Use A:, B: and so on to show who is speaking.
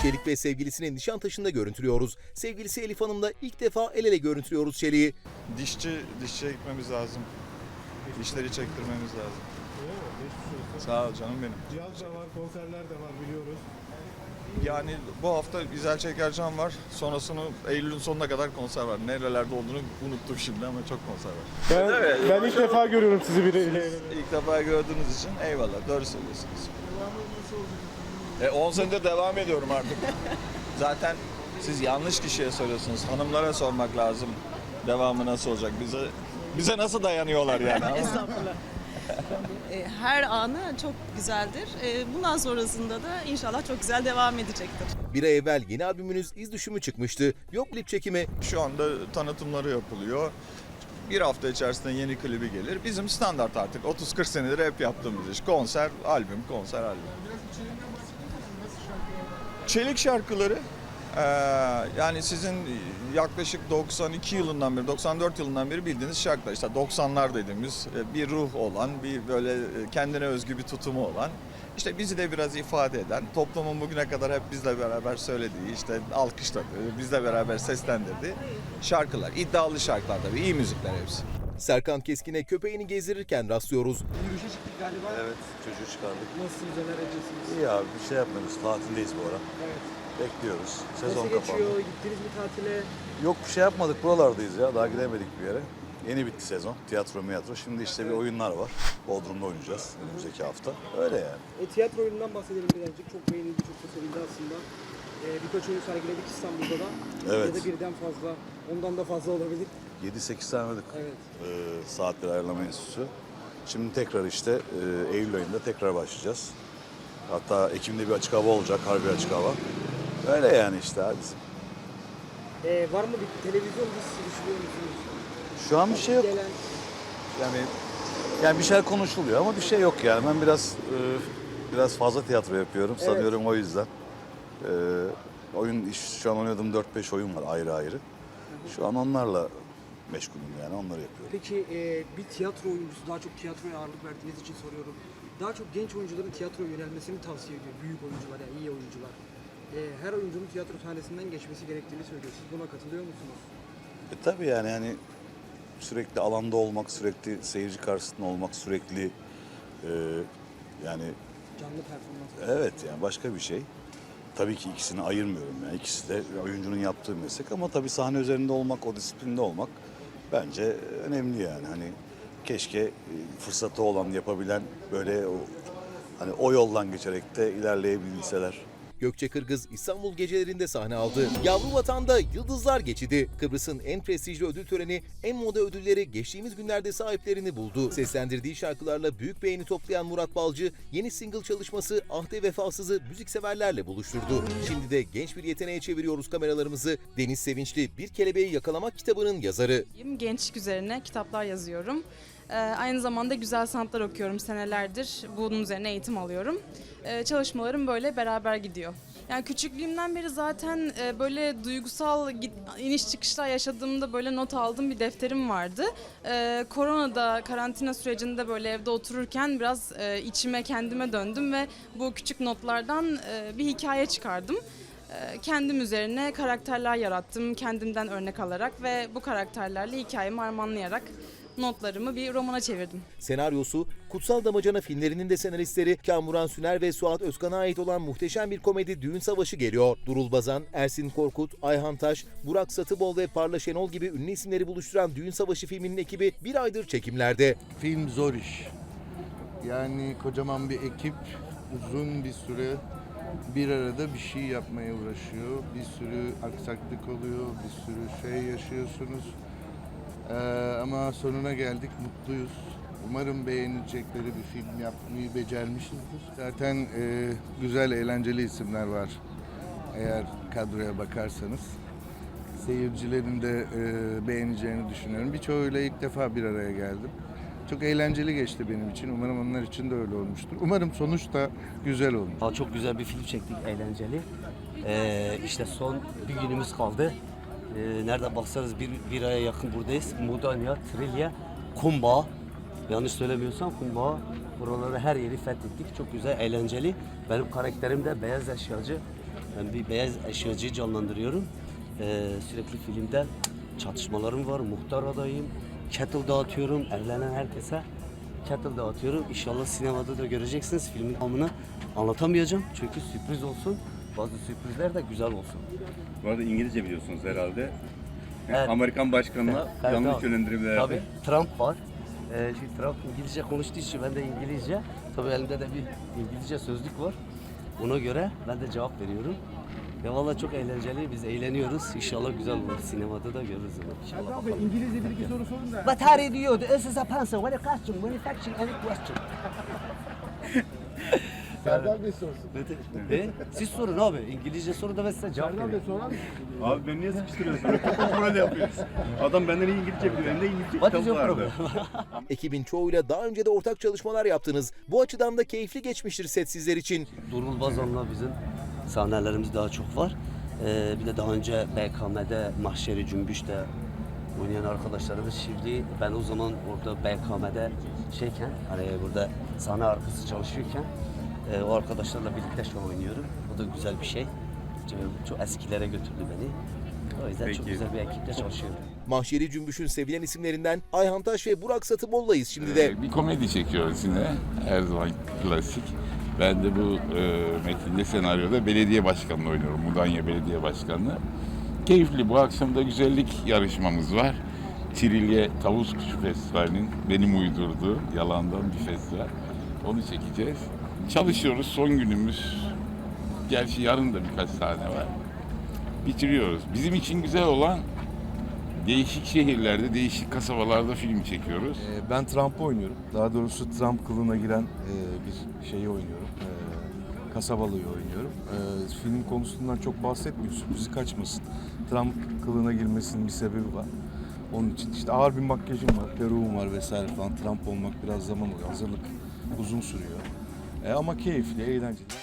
A: Çelik ve sevgilisini Nişantaşı'nda görüntülüyoruz. Sevgilisi Elif Hanım'la ilk defa el ele görüntülüyoruz Çelik'i.
B: Dişçiye gitmemiz lazım. Dişleri çektirmemiz lazım. Sağ ol canım benim.
C: Cihaz da var, konserler de var biliyoruz.
B: Yani bu hafta İzel Çekercan var. Sonrasını Eylül'ün sonuna kadar konser var. Nerelerde olduğunu unuttum şimdi ama çok konser var.
C: Ben ilk defa görüyorum sizi biriyle.
B: İlk defa gördüğünüz için eyvallah. Doğru söylüyorsunuz. 10 senedir devam ediyorum artık. Zaten siz yanlış kişiye soruyorsunuz. Hanımlara sormak lazım. Devamı nasıl olacak? Bize nasıl dayanıyorlar yani?
D: Estağfurullah. Her anı çok güzeldir. Bundan sonrasında da inşallah çok güzel devam edecektir.
A: Bir ay evvel yeni albümünüz İz Düşümü çıkmıştı. Yok klip çekimi.
B: Şu anda tanıtımları yapılıyor. Bir hafta içerisinde yeni klibi gelir. Bizim standart artık 30-40 senedir hep yaptığımız iş. Konser, albüm, konser, albüm. Çelik şarkıları yani sizin yaklaşık 92 yılından beri, 94 yılından beri bildiğiniz şarkılar. İşte 90'lar dediğimiz bir ruh olan, bir böyle kendine özgü bir tutumu olan. İşte bizi de biraz ifade eden, toplumun bugüne kadar hep bizle beraber söylediği, işte alkışladığı, bizle beraber seslendirdiği şarkılar. İddialı şarkılar tabii, iyi müzikler hepsi.
A: Serkan Keskin'e köpeğini gezdirirken rastlıyoruz.
E: Yürüyüşe çıktık galiba.
F: Evet, çocuğu çıkardık.
E: Nasılsınız, neler edeceksiniz?
F: İyi abi, bir şey yapmıyoruz. Tatildeyiz bu ara.
E: Evet.
F: Bekliyoruz. Sezon
E: Nasıl geçiyor?
F: kapandı.
E: Gittiniz mi tatile?
F: Yok bir şey yapmadık. Buralardayız ya. Daha gidemedik bir yere. Yeni bitti sezon. Tiyatro. Şimdi işte bir oyunlar var. Bodrum'da oynayacağız önümüzdeki hafta. Öyle yani.
E: Tiyatro oyunundan bahsedelim birazcık. Çok beğenildi, çok da sevildi aslında. Birkaç oyun sergiledik İstanbul'da da.
F: Evet.
E: Ya da birden fazla, ondan da fazla olabilir.
F: 7-8 tane oynadık.
E: Evet.
F: Saatler Ayarlama Enstitüsü. Şimdi tekrar işte Eylül ayında tekrar başlayacağız. Hatta Ekim'de bir açık hava olacak. Harbi açık hava. Öyle yani işte abi.
E: Var mı bir televizyon dizisi düşünüyor musunuz?
F: Şu an bir şey yok.
E: Gelen
F: Yani bir şeyler konuşuluyor ama bir şey yok yani. Ben biraz fazla tiyatro yapıyorum sanıyorum o yüzden. Şu an oynadığım 4-5 oyun var ayrı. Şu an onlarla meşgulüm yani onları yapıyorum.
E: Peki bir tiyatro oyuncusu, daha çok tiyatroya ağırlık verdiğiniz için soruyorum. Daha çok genç oyuncuların tiyatroya yönelmesini tavsiye ediyor. Büyük oyuncular, yani iyi oyuncular. Her oyuncunun tiyatro sahnesinden geçmesi gerektiğini söylüyor. Siz buna katılıyor musunuz?
F: Tabii yani sürekli alanda olmak, sürekli seyirci karşısında olmak, sürekli yani
E: Canlı performans.
F: evet yani başka bir şey. Tabii ki ikisini ayırmıyorum yani ikisi de oyuncunun yaptığı meslek ama tabii sahne üzerinde olmak, o disiplinde olmak bence önemli yani. Hani keşke fırsatı olan, yapabilen böyle o yoldan geçerek de ilerleyebilseler.
A: Gökçe Kırgız İstanbul gecelerinde sahne aldı. Yavru Vatan'da Yıldızlar Geçidi. Kıbrıs'ın en prestijli ödül töreni En Moda ödülleri geçtiğimiz günlerde sahiplerini buldu. Seslendirdiği şarkılarla büyük beğeni toplayan Murat Balcı, yeni single çalışması Ahde Vefasız'ı müzikseverlerle buluşturdu. Şimdi de genç bir yeteneğe çeviriyoruz kameralarımızı. Deniz Sevinçli Bir Kelebeği Yakalamak kitabının yazarı.
G: Gençlik üzerine kitaplar yazıyorum. Aynı zamanda güzel sanatlar okuyorum senelerdir. Bunun üzerine eğitim alıyorum. Çalışmalarım böyle beraber gidiyor. Yani küçüklüğümden beri zaten böyle duygusal iniş çıkışlar yaşadığımda böyle not aldığım bir defterim vardı. Koronada, karantina sürecinde böyle evde otururken biraz içime kendime döndüm ve bu küçük notlardan bir hikaye çıkardım. Kendim üzerine karakterler yarattım, kendimden örnek alarak ve bu karakterlerle hikayemi harmanlayarak notlarımı bir romana çevirdim.
A: Senaryosu Kutsal Damacana filmlerinin de senaristleri Kamuran Süner ve Suat Özkan'a ait olan muhteşem bir komedi Düğün Savaşı geliyor. Durul Bazan, Ersin Korkut, Ayhan Taş, Burak Satıbol ve Parla Şenol gibi ünlü isimleri buluşturan Düğün Savaşı filminin ekibi bir aydır çekimlerde.
H: Film zor iş. Yani kocaman bir ekip uzun bir süre bir arada bir şey yapmaya uğraşıyor. Bir sürü aksaklık oluyor, bir sürü şey yaşıyorsunuz. Ama sonuna geldik, mutluyuz. Umarım beğenilecekleri bir film yapmayı becermişizdir. Zaten güzel, eğlenceli isimler var eğer kadroya bakarsanız. Seyircilerin de beğeneceğini düşünüyorum. Birçoğuyla ilk defa bir araya geldim. Çok eğlenceli geçti benim için. Umarım onlar için de öyle olmuştur. Umarım sonuç da güzel olur.
I: Çok güzel bir film çektik, eğlenceli. İşte son bir günümüz kaldı. Nereden baksanız bir aya yakın buradayız. Mudanya, Trilya, Kumba. Yanlış söylemiyorsam Kumba. Buraları her yeri fethettik. Çok güzel, eğlenceli. Benim karakterim de beyaz eşyacı. Ben bir beyaz eşyacıyı canlandırıyorum. Sürekli filmde çatışmalarım var. Muhtar adayım. Kettle dağıtıyorum. Evlenen herkese kettle dağıtıyorum. İnşallah sinemada da göreceksiniz. Filmin tamamını anlatamayacağım. Çünkü sürpriz olsun. Bazı sürprizler de güzel olsun.
J: Bu arada İngilizce biliyorsunuz herhalde.
I: Evet.
J: Amerikan başkanına
I: Evet,
J: yanlış
I: tabii.
J: yönlendirmelerde.
I: Tabii Trump var. Şimdi Trump İngilizce konuştuğu için ben de İngilizce. Tabii elimde de bir İngilizce sözlük var. Ona göre ben de cevap veriyorum. Ya vallahi çok eğlenceli. Biz eğleniyoruz. İnşallah güzel olur. Sinemada da görürüz onu. İnşallah bakalım.
C: İngilizce bir iki soru sorun da.
I: What are you? This is a pencil. What a question? Manufacturing any question?
C: Serdar Bey sorsun.
I: Siz sorun abi. İngilizce soru da ben size cevap
C: Serdar Bey
I: veriyorum.
C: sorar mısınız?
J: Abi ben niye sıkıştırıyorsun? Böyle yapıyoruz. Adam benden iyi İngilizce biliyor. Hem de İngilizce
I: What is
J: kitap
I: your
J: vardı.
I: problem?
A: Ekibin çoğuyla daha önce de ortak çalışmalar yaptınız. Bu açıdan da keyifli geçmiştir set sizler için.
I: Durul Bazan'la bizim sahnelerimiz daha çok var. Bir de daha önce BKM'de Mahşeri Cümbüş'te oynayan arkadaşlarımız şimdi ben o zaman orada BKM'de şeyken hani burada sahne arkası çalışıyorken o arkadaşlarla birlikte şu an oynuyorum. O da güzel bir şey. Çok eskilere götürdü beni. O yüzden çok
J: Peki.
I: güzel bir ekiple çalışıyorum.
A: Mahşeri Cümbüş'ün sevilen isimlerinden Ayhan Taş ve Burak Satıbol'layız şimdi de.
K: Bir komedi çekiyoruz yine. Her zaman klasik. Ben de bu metinde senaryoda belediye başkanlığı oynuyorum. Mudanya Belediye Başkanlığı. Keyifli. Bu akşam da güzellik yarışmamız var. Trilye Tavus Kuşu Festivali'nin benim uydurduğu yalandan bir festival. Onu çekeceğiz. Çalışıyoruz. Son günümüz. Gerçi yarın da birkaç tane var. Bitiriyoruz. Bizim için güzel olan değişik şehirlerde, değişik kasabalarda film çekiyoruz.
L: Ben Trump'ı oynuyorum. Daha doğrusu Trump kılığına giren bir şeyi oynuyorum. Kasabalıyı oynuyorum. Film konusundan çok bahsetmiyor. Sürprizi kaçmasın. Trump kılığına girmesinin bir sebebi var. Onun için işte ağır bir makyajım var, peruğum var vesaire falan. Trump olmak biraz zaman oluyor. Hazırlık uzun sürüyor. Ama keyifli, eğlenceli.